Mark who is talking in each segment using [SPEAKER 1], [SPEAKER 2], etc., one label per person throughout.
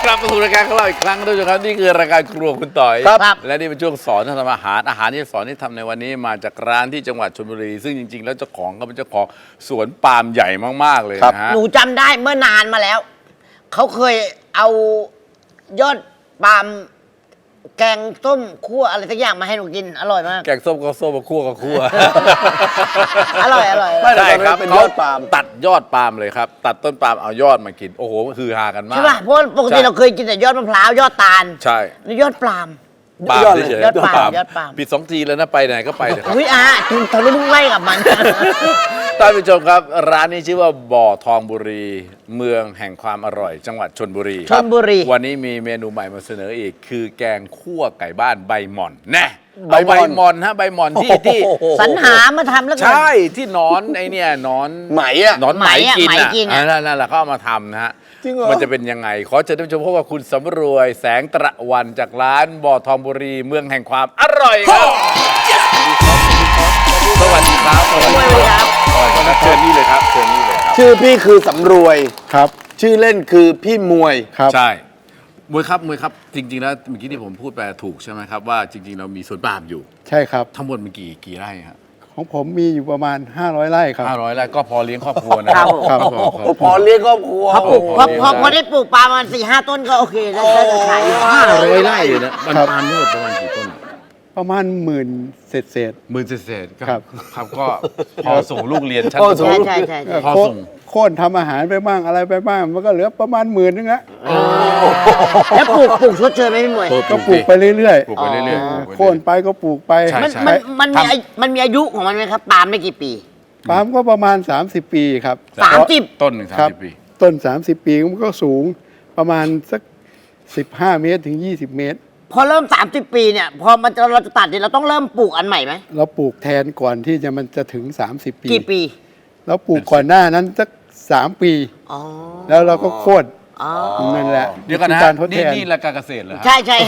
[SPEAKER 1] กลับมาสู่รายการของเราอีกครั้งด้วยครับนี่คือรายการครัวคุณต่อย
[SPEAKER 2] ครับ
[SPEAKER 1] และนี่เป็นช่วงสอนทำอาหารที่สอนที่ทำในวันนี้มาจากร้านที่จังหวัดชลบุรี ซึ่งจริงๆแล้วเจ้าของก็เป็นเจ้าของสวนปาล์มใหญ่มากๆเลยนะฮะ
[SPEAKER 2] หนูจำได้เมื่อนานมาแล้ว เขาเคยเอายอดปาล์มแกงส้มคั่วอะไรสักอย่างมาให้หนูกิน อร่อยมาก
[SPEAKER 1] แกงส้มก็ส้มคั่วก็คั่ว
[SPEAKER 2] อร่อยอร่อย
[SPEAKER 1] ไม่ได้ครับ
[SPEAKER 3] เป็นยอดปาล์ม
[SPEAKER 1] ตัดยอดปาล์มเลยครับ ตัดต้นปาล์มเอายอดมากินโอ้โหคือฮากันมาก
[SPEAKER 2] ใช่ป่ะเพราะปกติเราเคยกินแต่ยอดมะพร้าวยอดตาล
[SPEAKER 1] ใช่
[SPEAKER 2] นี่ยอดปาล์ม
[SPEAKER 1] ปาล์มเฉยๆ
[SPEAKER 2] ยอดปาล์มยอดปาล์ม
[SPEAKER 1] ปิด2 ทีแล้วนะไปไหนก็ไปเลยครับ
[SPEAKER 2] อุ้ยคุณทะลุมุ่งไล่กับมัน
[SPEAKER 1] ท่านผู้ชมครับร้านนี้ชื่อว่าบ่อทองบุรี เมืองแห่งความอร่อย จังหวัดชลบุรี
[SPEAKER 2] ชลบุรี
[SPEAKER 1] วันนี้มีเมนูใหม่มาเสนออีก คือแกงคั่วไก่บ้านใบหม่อนแน่
[SPEAKER 3] ใบหม่อน
[SPEAKER 1] ใบหม่อนฮะใบหม่อนที่
[SPEAKER 2] สรรหามาทำแล้วกัน
[SPEAKER 1] ใช่ที่หนอนไอเนี่ยหนอน
[SPEAKER 3] ไหมอะ
[SPEAKER 1] หนอนไหมกิน
[SPEAKER 2] ไหมกินอะ
[SPEAKER 1] นั่นแหละเขาเอามาทำนะฮะ
[SPEAKER 3] จริงเหรอ
[SPEAKER 1] มันจะเป็นยังไง ขอเชิญท่านผู้ชมพบกับคุณสำรวยแสงตะวันจากร้านบ่อทองบุรี เมืองแห่งความอร่อยครับสวัสดีครับสวัสดีครับสวัสดีครับเชิญนี่เลยครับเชิญนี่เลยครับ
[SPEAKER 3] ชื่อพี่คือสำรวย
[SPEAKER 4] ครับ
[SPEAKER 3] ชื่อเล่นคือพี่มวย
[SPEAKER 4] ครับ
[SPEAKER 1] ใช่มวยครับจริงๆแล้วเมื่อกี้ที่ผมพูดไปถูกใช่ไหมครับว่าจริงๆเรามีสวนปาล์มอยู่
[SPEAKER 4] ใช่ครับ
[SPEAKER 1] ทั้งหมดมันกี่ไร่ครับ
[SPEAKER 4] ของผมมีอยู่ประมาณ 500 ไร่ครับ
[SPEAKER 1] 500ไร่ก็พอเลี้ยงครอบครัวนะครับ
[SPEAKER 4] ครับ
[SPEAKER 3] พอเลี้ยงครอบครัว
[SPEAKER 2] พอปลูกพอได้ปลูกปาล์มมัน4-5 ต้นก็โอเคได้จะขาย
[SPEAKER 1] 500ไร่เลยนะมันปาล์มทั้งหมดประมาณกี่ต้น
[SPEAKER 4] ประมาณ10,000เศษ
[SPEAKER 1] หมื่นเศษๆ
[SPEAKER 4] ครับ
[SPEAKER 1] ครับก็พอส่งลูกเรียนชั้น
[SPEAKER 3] พอ
[SPEAKER 1] ป
[SPEAKER 3] ส่ง
[SPEAKER 1] ฐม
[SPEAKER 2] ใช่
[SPEAKER 4] ๆ
[SPEAKER 1] พอส่ง
[SPEAKER 4] โค่นทำอาหารไปบ้างอะไรไปบ้างมันก็เหลือประมาณ10,000นึงอะ
[SPEAKER 2] แล้วปลูกชดเชยไหมพี่มวย
[SPEAKER 4] ก็ปลูกไปเรื่อย
[SPEAKER 1] ปลูกไปเรื่อย
[SPEAKER 4] ๆโค่นไปก็ปลูกไป
[SPEAKER 1] ใช่
[SPEAKER 2] มันมีอายุของมันไหมครับปาล์มได้กี่ปี
[SPEAKER 4] ปาล์มก็ประมาณ30 ปีครับ
[SPEAKER 2] 30
[SPEAKER 1] ต้นหนึ่ง
[SPEAKER 4] ครับ
[SPEAKER 1] 30 ปี
[SPEAKER 4] ต้น30 ปีมันก็สูงประมาณสัก15 เมตรถึง20 เมตร
[SPEAKER 2] พอเริ่ม 30 ปีเนี่ย พอเราจะตัดเนี่ยเราต้องเริ่มปลูกอันใหม่ไหม
[SPEAKER 4] เราปลูกแทนก่อนที่มันจะถึง30 ปี
[SPEAKER 2] กี่ปี
[SPEAKER 4] เราปลูกก่อนหน้านั้นสัก3 ปี
[SPEAKER 2] อ๋อ
[SPEAKER 4] แล้วเราก็โค่น
[SPEAKER 2] อ๋อ
[SPEAKER 4] นั่นแหละ
[SPEAKER 1] เดี๋ยวกันนะ
[SPEAKER 4] คือการทดแทน
[SPEAKER 1] นี่รายการเกษตรเหรอฮะ
[SPEAKER 2] ใช่ใช่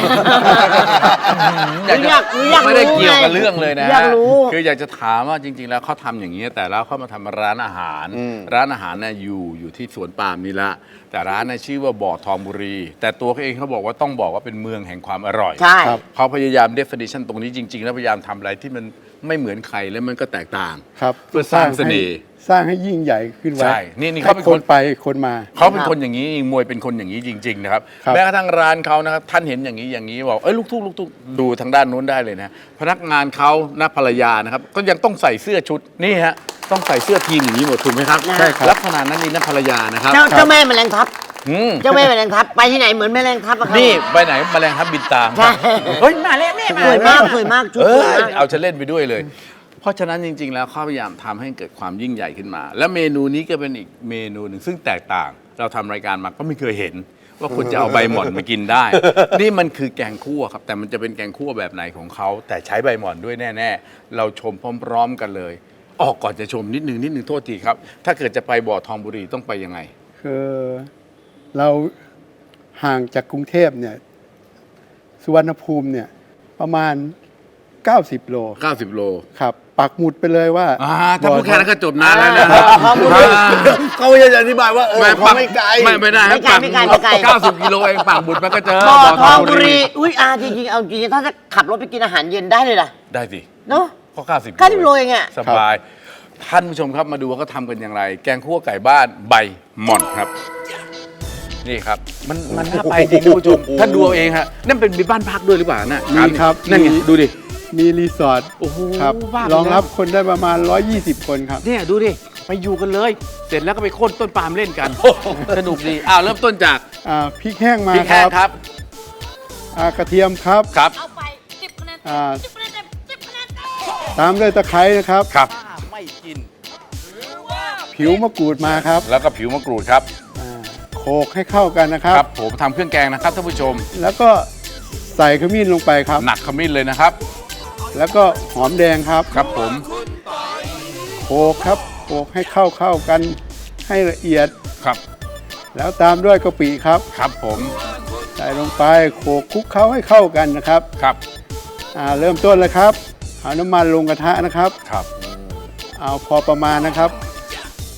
[SPEAKER 1] อยาก
[SPEAKER 2] อยากรู้
[SPEAKER 1] ไม่ได้เกี่ยวกับเรื่องเลยนะ
[SPEAKER 2] อยากรู้
[SPEAKER 1] คืออยากจะถามว่าจริง ๆ แล้วเขาทำอย่างนี้แต่แล้วเขามาทำร้านอาหาร ร้านอาหารเนี่ยอยู่ที่สวนปาล์มนี่ละแต่ร้านน่ะชื่อว่าบ่อทองบุรี แต่ตัวเขาเองเขาบอกว่าต้องบอกว่าเป็นเมืองแห่งความอร่อย
[SPEAKER 2] ใช่
[SPEAKER 4] ครับ
[SPEAKER 1] เขาพยายาม definition ตรงนี้จริง ๆ แล้วพยายามทำอะไรที่มันไม่เหมือนใครและมันก็แตกต่าง
[SPEAKER 4] ครับ
[SPEAKER 1] เพื่อสร้างเสน่ห์
[SPEAKER 4] สร้างให้ยิ่งใหญ่ขึ้นไว้
[SPEAKER 1] ใช่นี่
[SPEAKER 4] ให้
[SPEAKER 1] เขาเป็น
[SPEAKER 4] ค
[SPEAKER 1] คน
[SPEAKER 4] นไปคนมา
[SPEAKER 1] เขาเป็นคนอย่างนี้มวยเป็นคนอย่างนี้จริง ๆ นะครับ
[SPEAKER 4] ครับ
[SPEAKER 1] แม้กระทั่งร้านเขานะครับท่านเห็นอย่างนี้บอกเอ้ยลูกทุ่งดูทางด้านนู้นได้เลยนะพนักงานเขานะภรรยานะครับก็ยังต้องใส่เสื้อชุดนี่ฮะต้องใส่เสื้อทีมอย่างนี้หมดถูกไหมครับ
[SPEAKER 4] ใช่ครับ
[SPEAKER 1] ลักษณะนั้นนี่นะภรรยานะครับ
[SPEAKER 2] เจ้าแม่แมลงทับ
[SPEAKER 1] อืม
[SPEAKER 2] เจ้าแม่แมลงทับไปที่ไหนเหมือนแมลงทับอะครับ
[SPEAKER 1] นี่ไปไหนแมลงทับบินตาม
[SPEAKER 2] ใช่
[SPEAKER 1] เฮ้ยมาแล้วแม่มา
[SPEAKER 2] สวยมากสวยมากชุด
[SPEAKER 1] เอ
[SPEAKER 2] สวย
[SPEAKER 1] อ
[SPEAKER 2] มาก
[SPEAKER 1] เอาจะเล่นไปด้วยเลย เพราะฉะนั้นจริง ๆ แล้วเขาพยายามทำให้เกิดความยิ่งใหญ่ขึ้นมา และเมนูนี้ก็เป็นอีกเมนูหนึ่งซึ่งแตกต่าง เราทำรายการมาก็ไม่เคยเห็น ว่าคุณจะเอาใบหม่อนมากินได้ นี่มันคือแกงคั่วครับ แต่มันจะเป็นแกงคั่วแบบไหนของเขา แต่ใช้ใบหม่อนด้วยแน่ ๆ เราชมพร้อม ๆ กันเลยออกก่อนจะชมนิดนึงโทษทีครับ ถ้าเกิดจะไปบ่อทองบุรีต้องไปยังไง
[SPEAKER 4] คือเราห่างจากกรุงเทพเนี่ยสุวรรณภูมิเนี่ยประมาณ 90 โล
[SPEAKER 1] 90 โล
[SPEAKER 4] ครับ ปักหมุดไปเลยว่า
[SPEAKER 1] ถ้าพูดแค่นั้นก็จบนานแล้วนะ
[SPEAKER 3] เขาจะอธิบายว่าเขาไม่ไกล
[SPEAKER 1] ไม่ได้ครับ
[SPEAKER 2] ไม่ไกล
[SPEAKER 1] 90 กิโลเองปากบุตรมันก็เจอ
[SPEAKER 2] บ่อทองบุรีอุ้ยจริงๆเอาจริงๆถ้าจะขับรถไปกินอาหารเย็นได้เลยล่ะ
[SPEAKER 1] ได้สิ
[SPEAKER 2] เนาะ
[SPEAKER 1] ก็90
[SPEAKER 2] 90 โลเองอะ
[SPEAKER 1] สบาย ท่านผู้ชมครับมาดูว่าเขาทำกันอย่างไร แกงคั่วไก่บ้านใบหม่อนครับ นี่ครับ มันน่าไปจริงท่านผู้ชมท่านดูเอาเองฮะนั่นเป็นบ้านพักด้วยหรือเปล่าน่ะ
[SPEAKER 4] มีครับ
[SPEAKER 1] นั่นไง
[SPEAKER 4] มี
[SPEAKER 1] ดูดิ
[SPEAKER 4] มีรีสอร์ท
[SPEAKER 1] โอ้โห
[SPEAKER 4] ครับ
[SPEAKER 1] บ้าไป
[SPEAKER 4] รองรับ
[SPEAKER 1] แล้ว
[SPEAKER 4] คนได้ประมาณ 120 คนครับ
[SPEAKER 1] เนี่ยดูดิไปอยู่กันเลย เสร็จแล้วก็ไปโค่นต้นปาล์มเล่นกันสนุกดีเริ่มต้นจาก
[SPEAKER 4] พริกแห้งมา
[SPEAKER 1] พริกแห้งครับ
[SPEAKER 4] กระเทียมครับ
[SPEAKER 1] ครับ
[SPEAKER 5] เอาไป10 คะแนน
[SPEAKER 4] อ่า
[SPEAKER 5] 10 คะแนนเต็ม10 คะแนนเต็ม
[SPEAKER 4] ตามด้วยตะไคร้นะครับ
[SPEAKER 1] ครับไม่กิน
[SPEAKER 4] ผิวมะกรูดมาครับ
[SPEAKER 1] แล้วก็ผิวมะกรูดครับ
[SPEAKER 4] โขลกให้เข้ากันนะครับ
[SPEAKER 1] ครับผมทำเครื่องแกงนะครับท่านผู้ชม
[SPEAKER 4] แล้วก็ใส่ขมิ้นลงไปครับ
[SPEAKER 1] หนักขมิ้นเลยนะครับ
[SPEAKER 4] แล้วก็หอมแดงครับ
[SPEAKER 1] ครับผม
[SPEAKER 4] โขลกครับโขลกให้เข้ากันให้ละเอียด
[SPEAKER 1] ครับ
[SPEAKER 4] แล้วตามด้วยกะปิครับ
[SPEAKER 1] ครับผม
[SPEAKER 4] ใส่ลงไปโขลกคลุกเคล้าให้เข้ากันนะครับ
[SPEAKER 1] ครับ
[SPEAKER 4] เริ่มต้นเลยครับเอาน้ำมันลงกระทะนะครับ
[SPEAKER 1] ครับ
[SPEAKER 4] เอาพอประมาณนะครับ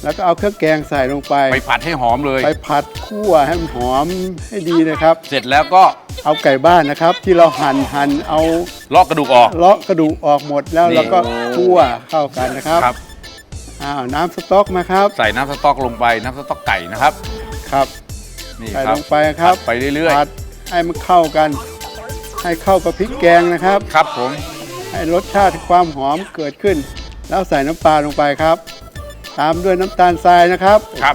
[SPEAKER 4] แล้วก็เอาเครื่องแกงใส่ลงไป
[SPEAKER 1] ไปผัดให้หอมเลย
[SPEAKER 4] ไปผัดคั่วให้มันหอมให้ดีนะครับ
[SPEAKER 1] เสร็จแล้วก็
[SPEAKER 4] เอาไก่บ้านนะครับ ที่เราหั่นเอา
[SPEAKER 1] ลอกกระดูกออก
[SPEAKER 4] เลาะกระดูกออกหมดแล้ว
[SPEAKER 1] นี่
[SPEAKER 4] เราก็คั่วเข้ากันนะครับ
[SPEAKER 1] ครับ
[SPEAKER 4] น้ำสต๊อกมาครับ
[SPEAKER 1] ใส่น้ำสต๊อกลงไปน้ำสต๊อกไก่นะครับ
[SPEAKER 4] ครับ
[SPEAKER 1] นี่
[SPEAKER 4] ใส่
[SPEAKER 1] ครั
[SPEAKER 4] ล
[SPEAKER 1] บ
[SPEAKER 4] งไปครับ
[SPEAKER 1] ผัดไปเรื่อย
[SPEAKER 4] ผัดให้มันเข้ากัน ให้เข้ากับพริกแกงนะครับ
[SPEAKER 1] ๆครับผม
[SPEAKER 4] ให้รสชาติความหอมเกิดขึ้น แล้วใส่น้ำปลาลงไปครับ ตามด้วยน้ำตาลทรายนะครับ
[SPEAKER 1] ครับ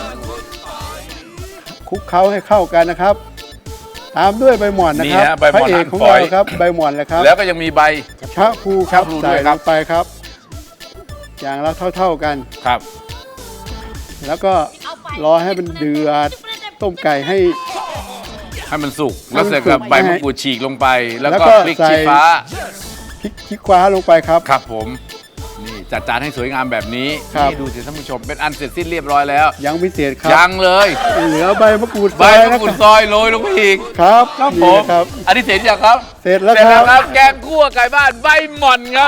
[SPEAKER 4] คลุกเคล้าให้เข้ากันนะครับ ตามด้วยใบหม่อนนะ
[SPEAKER 1] นี่
[SPEAKER 4] ครับ
[SPEAKER 1] ฮะใบห
[SPEAKER 4] พระ
[SPEAKER 1] ม่อน
[SPEAKER 4] เอ
[SPEAKER 1] หั่
[SPEAKER 4] ก
[SPEAKER 1] น
[SPEAKER 4] ของ
[SPEAKER 1] ฝอ
[SPEAKER 4] เรา
[SPEAKER 1] ย
[SPEAKER 4] ครับใบหม่อนเลยครับ
[SPEAKER 1] แล้วก็ยังมีใบ
[SPEAKER 4] ชะพลูครับ
[SPEAKER 1] ชะพลูด้
[SPEAKER 4] ใส่
[SPEAKER 1] วยค
[SPEAKER 4] ล
[SPEAKER 1] รับ
[SPEAKER 4] งไปครับ อย่างละเท่าๆกัน
[SPEAKER 1] ครับ
[SPEAKER 4] แล้วก็รอให้มันเดือดต้มไก่ให้
[SPEAKER 1] ให้มันสุกแล้วเสร็จกับ
[SPEAKER 4] ให้มันสุก
[SPEAKER 1] ใบมะกรูดฉีกลงไป แล้ว
[SPEAKER 4] แล้ว
[SPEAKER 1] ก็
[SPEAKER 4] ก็
[SPEAKER 1] พริก
[SPEAKER 4] ใส่
[SPEAKER 1] ชี้ฟ้า
[SPEAKER 4] พริกขี้คว้าลงไปครับ
[SPEAKER 1] ครับผมนี่จัดจานให้สวยงามแบบนี้
[SPEAKER 4] ครับ
[SPEAKER 1] นี่ดูสิท่านผู้ชมเป็นอันเสร็จสิ้นเรียบร้อยแล้ว
[SPEAKER 4] ยังไม่เสร็จครับ
[SPEAKER 1] ยังเลย
[SPEAKER 4] เหลือใบมะกรูด
[SPEAKER 1] ใบ
[SPEAKER 4] ซอย
[SPEAKER 1] มะ
[SPEAKER 4] นะ
[SPEAKER 1] กรู
[SPEAKER 4] ค
[SPEAKER 1] ด
[SPEAKER 4] รับ
[SPEAKER 1] ซอยโรยลงไปอีก
[SPEAKER 4] ครับ
[SPEAKER 1] ครับผ
[SPEAKER 4] นี่
[SPEAKER 1] ม
[SPEAKER 4] ครับ
[SPEAKER 1] อันนี้เสร็จยังครับ
[SPEAKER 4] เสร็จแล้ว
[SPEAKER 1] เสร็จ
[SPEAKER 4] ค
[SPEAKER 1] แล้
[SPEAKER 4] รั
[SPEAKER 1] ว
[SPEAKER 4] บ
[SPEAKER 1] ครับแกงคั่วไก่บ้านใบหม่อนครับ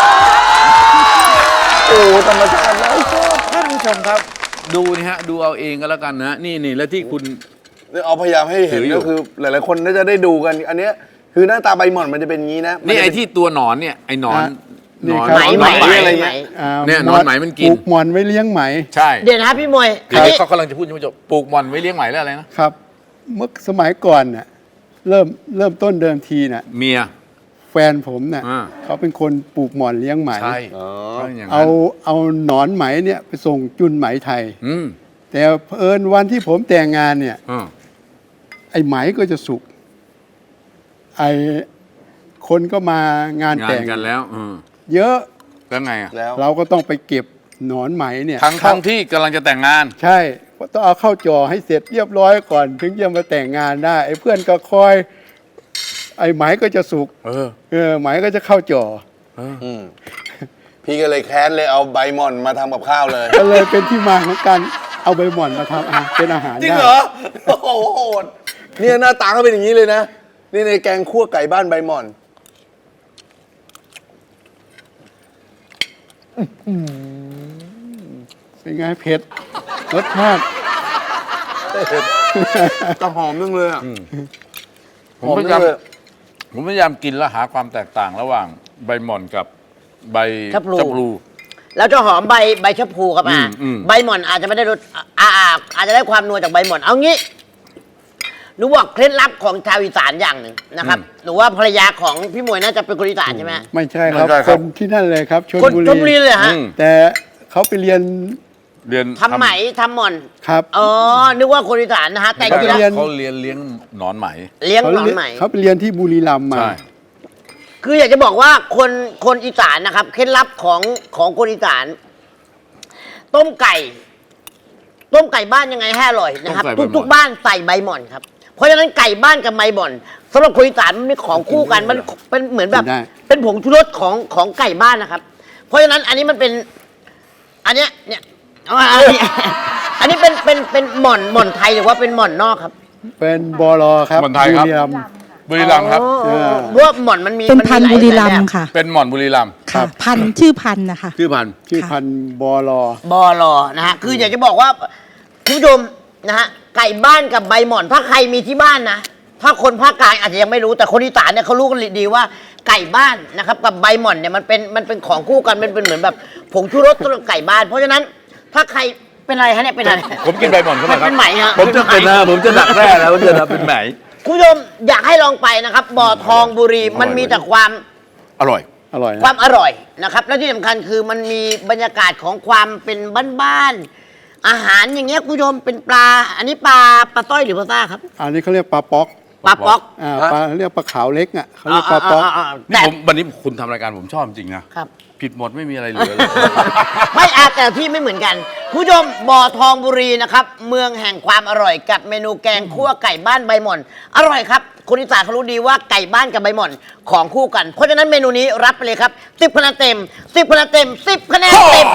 [SPEAKER 3] โอ้ธรรมชาตินะ
[SPEAKER 1] ท่านผู้ชมครับ ดูนี่ฮะดูเอาเองก็แล้วกันนะนี่แล้วที่คุณ
[SPEAKER 3] เอาพยายามให้เห็น
[SPEAKER 1] ถืออยู่
[SPEAKER 3] ก็คือหลายๆคนน่าจะได้ดูกัน อันเนี้ยคือหน้าตาใบหม่อนมันจะเป็นอย่างนี้นะ
[SPEAKER 1] นี่
[SPEAKER 3] มัจะ
[SPEAKER 1] ไอ้
[SPEAKER 3] เป็
[SPEAKER 1] ที่ตัวหนอนเนี่ยไอ้หนอน
[SPEAKER 4] นี่
[SPEAKER 1] หนอน
[SPEAKER 4] ครับ
[SPEAKER 2] ไหม
[SPEAKER 1] หนอน
[SPEAKER 2] ไหม
[SPEAKER 1] ไหม
[SPEAKER 2] อะไร
[SPEAKER 1] อะไร
[SPEAKER 2] ไหม
[SPEAKER 1] เงี้ย เนี่ยหนอนไหมมันกิน
[SPEAKER 4] ปลูกหมอนไว้เลี้ยงไหม
[SPEAKER 1] ใช่
[SPEAKER 2] เดี๋ยวนะพี่มวย
[SPEAKER 1] ทีนี้เขากำลังจะพูดท่านผู้ชมปลูกหม่อนไว้เลี้ยงไหมแล้วอะไรนะครับ
[SPEAKER 4] เมื่อสมัยก่อนน่ะเริ่มต้นเดิมทีน่ะ
[SPEAKER 1] เมีย
[SPEAKER 4] แฟนผมน่ะ
[SPEAKER 1] อ่า
[SPEAKER 4] เขาเป็นคนปลูกหมอนเลี้ยงไหม
[SPEAKER 1] ใช่
[SPEAKER 3] อ๋อ
[SPEAKER 1] ก็อย่าง
[SPEAKER 4] เอา
[SPEAKER 1] นั้น
[SPEAKER 4] เอาหนอนไหมเนี่ยไปส่งจุนไหมไทย
[SPEAKER 1] อืม
[SPEAKER 4] แต่เผอิญวันที่ผมแต่งงานเนี่ย
[SPEAKER 1] อ่า
[SPEAKER 4] ไอ้ไหมก็จะสุกไอ้คนก็มางาน
[SPEAKER 1] งา
[SPEAKER 4] แต่
[SPEAKER 1] น
[SPEAKER 4] ง
[SPEAKER 1] กันแล้ว
[SPEAKER 4] เยอะ
[SPEAKER 1] แล้วไงอ่ะ
[SPEAKER 3] แล้ว
[SPEAKER 4] เราก็ต้องไปเก็บหนอนไหมเนี่ย
[SPEAKER 1] ทั้งที่กำลังจะแต่งงาน
[SPEAKER 4] ใช่ต้องเอาเข้าจ่อให้เสร็จเรียบร้อยก่อน ถึงจะมาแต่งงานได้ไอ้เพื่อนก็คอย ไอ้ไหมก็จะสุก ไหมก็จะเข้าจ่อ
[SPEAKER 3] อืมพี่ก็เลยแค้นเลยเอาใบหม่อนมาทำกับข้าวเลย
[SPEAKER 4] ก็เลยเป็นที่มาของการเอาใบหม่อนมาทำเป็นอาหาร
[SPEAKER 3] จริง
[SPEAKER 4] ได้
[SPEAKER 3] เหรอ โอ้โหโหดเนี่ยหน้าตาเขาเป็นอย่างนี้เลยนะ นี่ในแกงคั่วไก่บ้านใบหม่อน
[SPEAKER 4] เป็นไงเผ็ดรสชาติ
[SPEAKER 3] จะหอมนึงเลยอ่ะ
[SPEAKER 1] ผมพยายามผมพยายามกินแล้วหาความแตกต่างระหว่างใบหม่อนกับใบ
[SPEAKER 2] ชะพลู
[SPEAKER 1] ชะพลู
[SPEAKER 2] แล้วจะหอมใบชะพูครับ
[SPEAKER 1] อืม
[SPEAKER 2] ใบหม่อนอาจจะไม่ได้รสอาจจะได้ความนัวจากใบหม่อนเอางี้หนูบอกเคล็ดลับของชาวอีสานอย่างหนึ่งนะครับหนูว่าภรรยาของพี่มวยน่าจะเป็นคนอีสานใช่ไหมฮะ
[SPEAKER 4] ไม่ใช่ครับ
[SPEAKER 1] ไม่ใช่ค
[SPEAKER 4] ครับ นที่นั่นเลยครับชล
[SPEAKER 2] คน
[SPEAKER 4] บุ
[SPEAKER 2] ชลบุรี
[SPEAKER 4] รี
[SPEAKER 2] เลยฮะ
[SPEAKER 1] อืม
[SPEAKER 4] แต่เขาไปเรียน
[SPEAKER 1] เรียน
[SPEAKER 2] ทำไหมทำหม่อน
[SPEAKER 4] ครับ
[SPEAKER 2] อ๋อนึกว่าคนอีสานนะฮะแต่จริงๆแล้ว
[SPEAKER 1] เขาเลี้ยงหนอนไหม
[SPEAKER 2] เลี้ยงหนอนไหม
[SPEAKER 4] เขาไปเรียนที่บุรีรัมย์มา
[SPEAKER 1] ใช่
[SPEAKER 2] คืออยากจะบอกว่าคนอีสานนะครับเคล็ดลับของคนอีสาน ต้มไก่บ้านยังไงให้อร่อยนะครับ ทุกๆบ้านใส่ใบหม่อนครับ เพราะฉะนั้นไก่บ้านกับใบหม่อนสำหรับคนอีสานมันเป็นของคู่กันมันเป็นเหมือนแบบ
[SPEAKER 4] ได้
[SPEAKER 2] เป็นผงชูรสของไก่บ้านนะครับ เพราะฉะนั้นอันนี้มันเป็น อันเนี้ยเนี่ยเอามาอันนี้เป็นหม่อนไทยหรือว่าเป็นหม่อนนอกครับ
[SPEAKER 4] เป็นบอลอครับ
[SPEAKER 1] หม่อนไทยครับ
[SPEAKER 4] บุรีรัมย์
[SPEAKER 1] บุรีรัมย์ครับ
[SPEAKER 2] อ๋อเพราะว่าหม่อนมันมี
[SPEAKER 6] เป็นพันธุ์
[SPEAKER 2] หลาย
[SPEAKER 6] บุรีรัม
[SPEAKER 2] แบบ
[SPEAKER 6] ย์ค่ะ
[SPEAKER 1] เป็นหม่อนบุรีรัมย์
[SPEAKER 6] ค่ะ พันธุ์ชื่อพันธุ์นะคะ
[SPEAKER 1] ชื่อพันธุ์
[SPEAKER 4] ชื่อพันธุ์บอลอ
[SPEAKER 2] บอลอนะฮะคืออยากจะบอกว่าคุณผู้ชมนะฮะไก่บ้านกับใบหม่อนถ้าใครมีที่บ้านนะถ้าคนภาคกลางอาจจะยังไม่รู้แต่คนอีสานเนี่ยเขารู้กันดีว่าไก่บ้านนะครับกับใบหม่อนเนี่ยมันเป็นของคู่กันมันเป็นเหมือนแบบผงชูรสสำหรับไก่บ้าน เพราะฉะนั้นถ้าใครเป็นอะไรฮะเนี่ยเป็นอะไร
[SPEAKER 1] ผมกินใบหม่อนเข้าไปครับ
[SPEAKER 2] เป็นไหมฮะ
[SPEAKER 3] ผมจะเป็นนะผมจะดักแร่แล้วจะดักเป็นไหม
[SPEAKER 2] คุณผู้ชมอยากให้ลองไปนะครับบ่อทองบุรีมันมีแต่ความ
[SPEAKER 1] อร่อย
[SPEAKER 4] อร่อย
[SPEAKER 2] ควา
[SPEAKER 4] นะ
[SPEAKER 2] มอร่อยนะครับและที่สำคัญคือมันมีบรรยากาศของความเป็นบ้านๆอาหารอย่างเงี้ยคุณผู้ชมเป็นปลา อันนี้ปลาต้อยหรือปลาซ่าครับ
[SPEAKER 4] อันนี้เขาเรียกปลาป๊อก
[SPEAKER 2] ปลาป๊อก
[SPEAKER 4] ปลาเรียกปลาขาวเล็กอ่ะเขาเรียกปลาป๊อก
[SPEAKER 1] นี่
[SPEAKER 2] แต่
[SPEAKER 1] ผมวันนี้คุณทำรายการผมชอบจริงนะครับ ผิดหมดไม่มีอะไรเหลือเลย
[SPEAKER 2] ไม่อาจแต่ที่ไม่เหมือนกันคุณผู้ชมบ่อทองบุรีนะครับเมืองแห่งความอร่อยกับเมนูแกงคั่วไก่บ้านใบหม่อนอร่อยครับคนอีสานเขารู้ดีว่าไก่บ้านกับใบหม่อนของคู่กัน เพราะฉะนั้นเมนูนี้รับไปเลยครับ10คะแนนเต็ม10คะแนนเต็ม10คะแนนเต็ม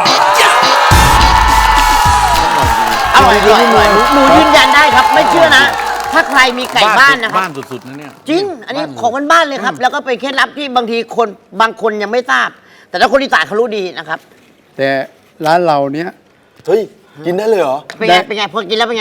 [SPEAKER 2] อร่อยหนูยืนยันได้ครับ ไม่เชื่อนะ ถ้าใครมีไก่บ้านนะครับ
[SPEAKER 1] บ้านสุดๆนะเนี่ย
[SPEAKER 2] จริง อันนี้ของบ้านๆเลยครับ แล้วก็เป็นเคล็ดลับที่บางทีบางคนยังไม่ทราบ แต่ถ้าคนอีสานเขารู้ดีนะครับ
[SPEAKER 4] แต่ร้านเราเนี้ย
[SPEAKER 3] เฮ้ย กินได้เลยเหรอ
[SPEAKER 2] เป็นไง เป็นไง พอกินแล้วเป็นไง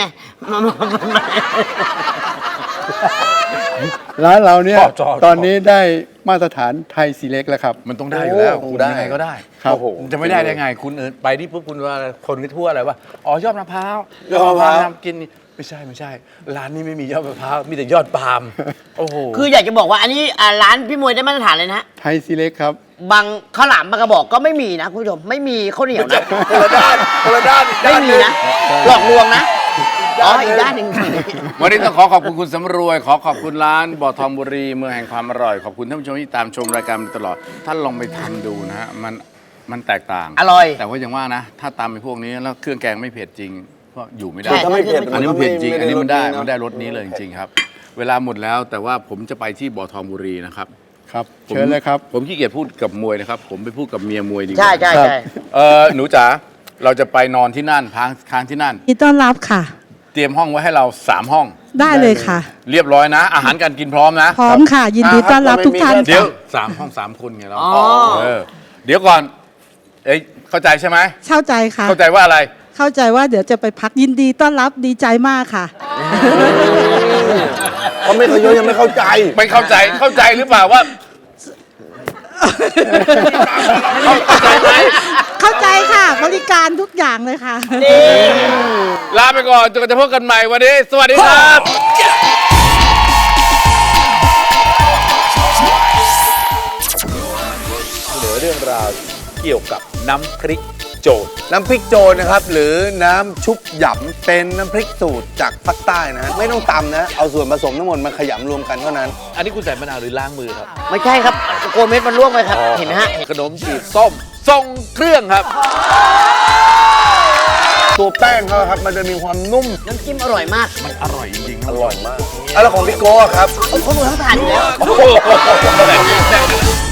[SPEAKER 4] ร้านเราเนี่ย
[SPEAKER 1] ชอบ
[SPEAKER 4] ตอนนี้ได้มาตรฐานไทยซีเล็กแล้วครับ
[SPEAKER 1] มันต้องได้อยู่แล้ว
[SPEAKER 3] โอ้
[SPEAKER 1] คุณ
[SPEAKER 3] ได้
[SPEAKER 1] ยังไงก็ได้
[SPEAKER 4] ครับ
[SPEAKER 3] โอ้โห
[SPEAKER 1] จะไม่ได้ได้ไงคุณไปที่ปุ๊บคุณว่าคนก็ทั่วอะไรว่าอ๋อยอดมะพร้าวย
[SPEAKER 3] อดมะพร้าว
[SPEAKER 1] ทำกินนี่ไม่ใช่ร้านนี้ไม่มียอดมะพร้าวมีแต่ยอดปาล์มโอ้โห
[SPEAKER 2] คืออยากจะบอกว่าอันนี้ร้านพี่มวยได้มาตรฐานเลยนะ
[SPEAKER 4] ไทยซีเล็กครับ
[SPEAKER 2] บางข้าวหลามบางกระบอกก็ไม่มีนะคุณผู้ชม ไม่มีข้าวเหนียวนะ
[SPEAKER 3] คนละด้านคนละด้านอีก
[SPEAKER 2] ไม่
[SPEAKER 3] ด้านห
[SPEAKER 2] มี
[SPEAKER 3] นึ่ง
[SPEAKER 2] นะ หลอกลวงนะ อ๋อ อีกด้านหนึ่ง
[SPEAKER 1] วันนี้ต้องขอบคุณคุณสำรวย ขอบคุณร้านบ่อทองบุรีเมืองแห่งความอร่อยขอบคุณท่านผู้ชมที่ตามชมรายการมาตลอดท่านลองไปทำดูนะฮะมันแตกต่าง
[SPEAKER 2] อร่อย
[SPEAKER 1] แต่ว่าอย่างว่านะ ถ้าตามไปพวกนี้แล้วเครื่องแกงไม่เผ็ดจริงก็อยู่ไม่ได้
[SPEAKER 2] ใช่
[SPEAKER 3] ถ้าไม่เผ็ด
[SPEAKER 1] อันนี้มันเผ็ดจริง อันนี้มันได้
[SPEAKER 3] รส
[SPEAKER 1] มันได้รสนี้เลยจริงๆครับ เวลาหมดแล้วแต่ว่าผมจะไปที่บ่อทองบุรีนะครับ
[SPEAKER 4] ครับ เชิญเลยครับ
[SPEAKER 1] ผมขี้เกียจพูดกับมวยนะครับ ผมไปพูดกับเมียมวยดีกว่า
[SPEAKER 2] ใช่ใช่ใช่
[SPEAKER 1] หนูจ๋าเราจะไปนอนที่นั่นค้างที่นั่น
[SPEAKER 6] ยินดีต้อนรับค่ะ
[SPEAKER 1] เตรียมห้องไว้ให้เรา3ห้อง
[SPEAKER 6] ได้เลยค่ะ
[SPEAKER 1] เรียบร้อยนะ อาหารการกินพร้อมนะ
[SPEAKER 6] พร้อมค่ะ ยินดีต้อนรับทุกท่าน
[SPEAKER 1] เดี๋ยว
[SPEAKER 6] ค่ะ
[SPEAKER 1] 3 ห้อง 3 คนไงเรา
[SPEAKER 2] อ๋อ
[SPEAKER 1] เดี๋ยวก่อนเอ้ยเข้าใจใช่ไหม
[SPEAKER 6] เข้าใจค่ะ
[SPEAKER 1] เข้าใจว่าอะไร
[SPEAKER 6] เข้าใจว่าเดี๋ยวจะไปพักยินดีต้อนรับดีใจมากค่ะ
[SPEAKER 3] เขาไม่เคยยังไม่เข้าใจ
[SPEAKER 1] ไม่เข้าใจหรือเปล่าว่า เข้าใจไหม
[SPEAKER 6] เข้าใจค่ะ บริการทุกอย่างเลยค่ะ
[SPEAKER 1] ลาไปก่อนจนกว่าจะพบกันใหม่วันนี้ สวัสดีครับ
[SPEAKER 3] เหลือเรื่องราวเกี่ยวกับน้ำพริกโจรน้ำพริกโจรนะครับ หรือน้ำชุบหยำเป็นน้ำพริกสูตรจากภาคใต้นะ ไม่ต้องตำนะ เอาส่วนผสมทั้งหมดมาขยำรวมกันเท่านั้น
[SPEAKER 1] อันนี้คุณใส่มะนาวหรือล้างมือครับ
[SPEAKER 2] ไม่ใช่ครับโกเม็ดมันล่วงไปครับ เห็นไหมฮะ
[SPEAKER 1] ขนมจีบส้มทรงเครื่องครับ
[SPEAKER 3] ตัวแป้งเขาครับมันจะมีความนุ่ม
[SPEAKER 2] น้ำจิ้มอร่อยมาก
[SPEAKER 1] มันอร่อยจริงๆ
[SPEAKER 3] อร่อยมากแล้วของพี่โก้อะครับ
[SPEAKER 2] เขาดูทั้งทานอยู่แล้ว
[SPEAKER 1] โอ้โห